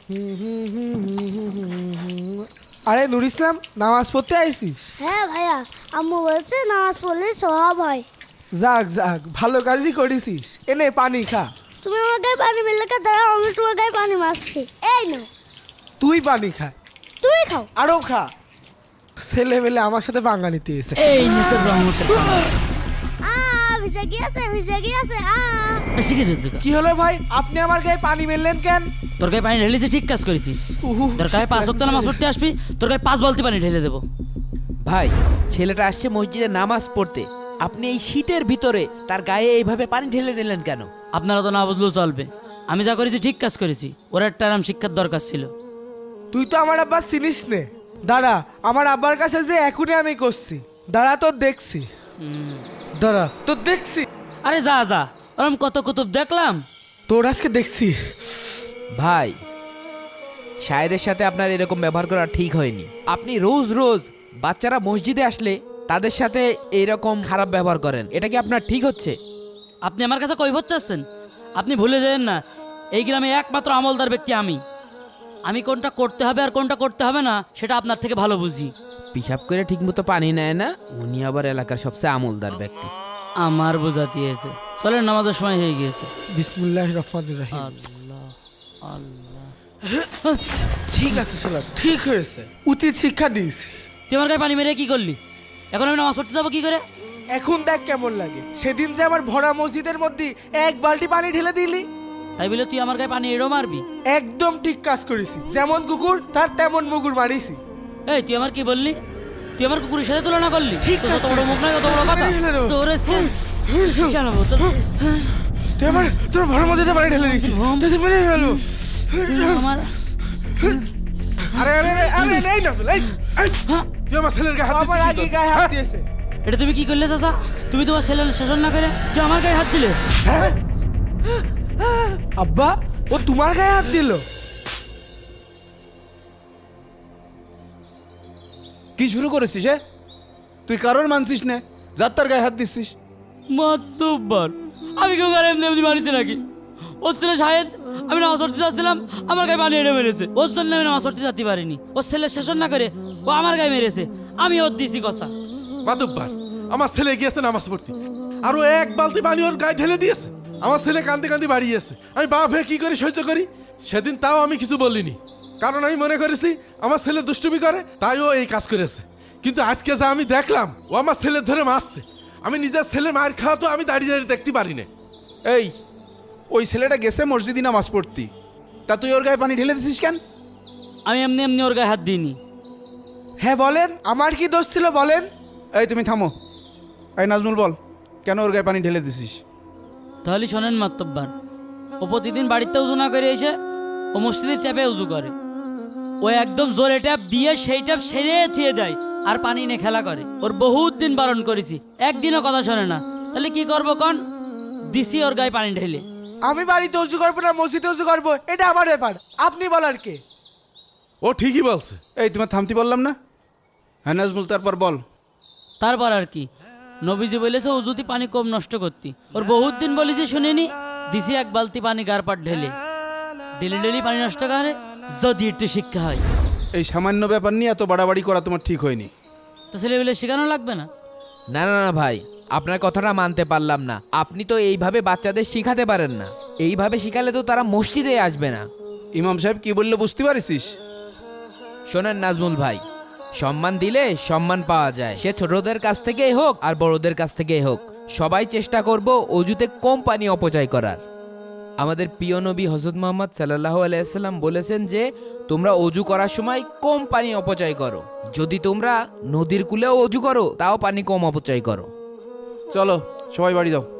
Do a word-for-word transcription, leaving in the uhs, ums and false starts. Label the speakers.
Speaker 1: আরে নুর ইসলাম, নামাজ পড়তে আইসিস?
Speaker 2: হ্যাঁ ভাইয়া, আম্মু বলছে নামাজ পড়লে সওয়াব হয়।
Speaker 1: যাক যাক, ভালো কাজই করেছিস। এনে পানি খা।
Speaker 2: তুমি আমার গায়ে পানি মেলে কা, দাঁড়াও আমি তোমার গায়ে পানি মারছি। এই নাও।
Speaker 1: তুই পানি খা।
Speaker 2: তুই খাও।
Speaker 1: আরো খা। ছেলে মেলে আমার সাথে পাঙ্গা নিতে এসে।
Speaker 3: এই নিতে রহমতের
Speaker 2: আ ভিজে গিয়েছে, ভিজে গিয়েছে। আ
Speaker 3: বেশি কি রয়েছে?
Speaker 1: কি হলো ভাই, আপনি আমার গায়ে পানি মেললেন কেন?
Speaker 3: তোর গায়ে পানি ঢেলেছি, ঠিক কাজ করেছিস।
Speaker 1: উহু,
Speaker 3: তোর গায়ে পাঁচ ওয়াক্ত নামাজ পড়তে আসবি, তোর গায়ে পাঁচ বালতি পানি ঢেলে দেবো।
Speaker 4: ভাই, ছেলেটা আসছে মসজিদে নামাজ পড়তে, আপনি এই শীতের ভিতরে তার গায়ে এইভাবে পানি ঢেলে দিলেন কেন?
Speaker 3: আপনারা তো না বুঝলেও চলবে, আমি যা করেছি ঠিক কাজ করেছি। ওর একটা আরাম শিক্ষার দরকার ছিল।
Speaker 1: তুই তো আমার আব্বা চিনিস নে। দাঁড়া, আমার আব্বার কাছে যে এখনই আমি করছি। দাঁড়া তোর দেখছি। দাঁড়া তোর দেখছি।
Speaker 3: আরে যা যা, ওরম কত কুতুব দেখলাম।
Speaker 1: তোর আজকে দেখছি।
Speaker 4: ভাই, শায়েদের সাথে আপনার এরকম ব্যবহার করা ঠিক হয়নি। আপনি রোজ রোজ বাচ্চারা মসজিদে আসলে তাদের সাথে এইরকম খারাপ ব্যবহার করেন, এটা কি আপনার ঠিক হচ্ছে?
Speaker 3: আপনি আমার কাছে কৈফত চাচ্ছেন? আপনি ভুলে যাবেন না, এই গ্রামে একমাত্র আমলদার ব্যক্তি আমি। আমি কোনটা করতে হবে আর কোনটা করতে হবে না সেটা আপনার থেকে ভালো বুঝি।
Speaker 4: পিসাব করে ঠিকমতো পানি নেয় না, উনি আবার এলাকার সবচেয়ে আমলদার ব্যক্তি।
Speaker 3: আমার বোঝা দিয়েছে। চলেন, নামাজের সময় হয়ে গিয়েছে।
Speaker 1: বিসমিল্লাহির রহমানির রহিম।
Speaker 3: আল্লাহ আল্লাহ।
Speaker 1: ঠিক আছে শালা, ঠিক হয়েছে। উচিত শিক্ষা দিয়েছি।
Speaker 3: তুই আমার গায়ে পানি মেরে কি করলি? এখন আমি নামাজ পড়তে যাবো কি করে?
Speaker 1: এখন দেখ কেমন লাগে। সেদিন যে আমার ভরা মসজিদের মধ্যে এক বালতি পানি ঢেলে দিলি।
Speaker 3: তাই বলে তুই আমার গায়ে পানি এড়ো মারবি?
Speaker 1: একদম ঠিক কাজ করেছি। যেমন কুকুর তার তেমন মুগুর মারিছি।
Speaker 3: এই তুই আমার কি বললি? তুই আমার কুকুরের সাথে তুলনা করলি?
Speaker 1: ঠিক
Speaker 3: তোর
Speaker 1: কাজ
Speaker 3: তো বড় মুখ নাই, কত বড় কথা।
Speaker 1: ঢেলে দেবো।
Speaker 3: তোর আজকে শালা বোতল।
Speaker 1: তুই আমার তোর ভরা মসজিদে পানি ঢেলে দিয়েছিস। তুই সে মেরে গেল।
Speaker 3: আমার
Speaker 1: আরে আরে আরে আরে এই না এই এই, তুই আমার ছেলের গায়ে হাত দিছিস। আমার আগে গায়ে হাত দিয়েছে।
Speaker 3: এটা তুমি কি করলে চাচা? তুমি তোমার ছেলের শাসন না করে তুই আমার গায়ে হাত দিলে।
Speaker 1: আব্বা, ও তোমার গায়ে হাত দিল?
Speaker 5: কি শুরু করেছিস? হ্যাঁ, তুই কারোর মানছিস না, যার তার গায়ে হাত দিচ্ছিস।
Speaker 3: মাতব্বর, আমি কেউ গায়ে এমনি এমনি মারিতে নাকি? ওর ছেলে শাহেদ, আমি নামাজ পড়তে যাচ্ছিলাম, আমার গায়ে পানি এড়ে মেরেছে। ওর জন্য আমি নামাজ পড়তে যেতে পারিনি। ওর ছেলের শাসন না করে ও আমার গায়ে মেরেছে, আমি ওর দিছি কথা।
Speaker 6: মাতব্বর, আমার ছেলে গিয়েছে নামাজ পড়তে, আরো এক বালতি পানি ওর গায়ে ঢেলে দিয়েছে। আমার ছেলে কান্দি কান্দি বাড়িয়েছে। আমি বাপ হয়ে কি করে সহ্য করি? সেদিন তাও আমি কিছু বলিনি, কারণ আমি মনে করেছি আমার ছেলে দুষ্টুমি করে, তাই ও এই কাজ করেছে। কিন্তু আজকে যা আমি দেখলাম, ও আমার ছেলে ধরে মারছে। আমি নিজের ছেলে মার খাওয়া তো আমি দাঁড়িয়ে দাঁড়িয়ে দেখতে পারি না।
Speaker 5: এই, ওই ছেলেটা গেছে মসজিদে নামাজ পড়তি, তা তুই ওর গায়ে পানি ঢেলে দিছিস কেন?
Speaker 3: আমি এমনি এমনি ওর গায়ে হাত দিইনি।
Speaker 1: হ্যাঁ বলেন, আমার কি দোষ ছিল বলেন?
Speaker 5: এই তুমি থামো। এই নাজমুল, বল কেন ওর গায়ে পানি ঢেলে দিছিস?
Speaker 3: তাহলে শোনেন মাতব্বর, ও প্রতিদিন বাড়িতে উজু না করে এসে ও মসজিদের ট্যাপে উজু করে। ও একদম জোরে ট্যাপ দিয়ে সেই ট্যাপ সেরে থুয়ে দেয় আর পানি নিয়ে খেলা করে। ওর বহুত দিন বারণ করেছি, একদিনও কথা শোনে না। তাহলে কি করবো কন? দিছি ওর গায়ে পানি ঢেলে।
Speaker 1: আমি বাড়িতে উজু করবো না মসজিদে উজু করবো, এটা আমার ব্যাপার। আপনি বলার কে?
Speaker 6: ও ঠিকই বলছে।
Speaker 5: এই তোমার থামতি বললাম না? হ্যাঁ নাজমুল, তারপর বল।
Speaker 3: তারপর আর কি, নবীজি বলেছে উজুতি পানি কম নষ্ট করতি। ওর বহুত দিন বলেছি শুনিনি, দিছি এক বালতি পানি গার পাট ঢেলে। ডেলি ডেলি পানি নষ্ট করে যদি একটু শিক্ষা হয়।
Speaker 5: এই সামান্য ব্যাপার নিয়ে এত বাড়াবাড়ি করা তোমার ঠিক হয়নি।
Speaker 3: তো ছেলেবেলে শেখানো লাগবে না?
Speaker 4: না না না ভাই, আপনার কথাটা মানতে পারলাম না। আপনি তো এইভাবে বাচ্চাদের শিখাতে পারেন না। এইভাবে শিখালে তো তারা মসজিদে আসবে না।
Speaker 5: ইমাম সাহেব কি বললে বুঝতে পারিস?
Speaker 4: শোনেন নাজমুল ভাই, সম্মান দিলে সম্মান পাওয়া যায়, সে ছোটদের কাছ থেকেই হোক আর বড়দের কাছ থেকেই হোক। সবাই চেষ্টা করব অজুতে কম পানি অপচয় করার। আমাদের প্রিয় নবী হযরত মুহাম্মদ সাল্লাল্লাহু আলাইহি ওয়াসাল্লাম বলেছেন যে তোমরা অজু করার সময় কম পানি অপচয় করো। যদি তোমরা নদীর কূলেও অজু করো তাও পানি কম অপচয় করো।
Speaker 5: চলো সবাই বাড়ি যাও।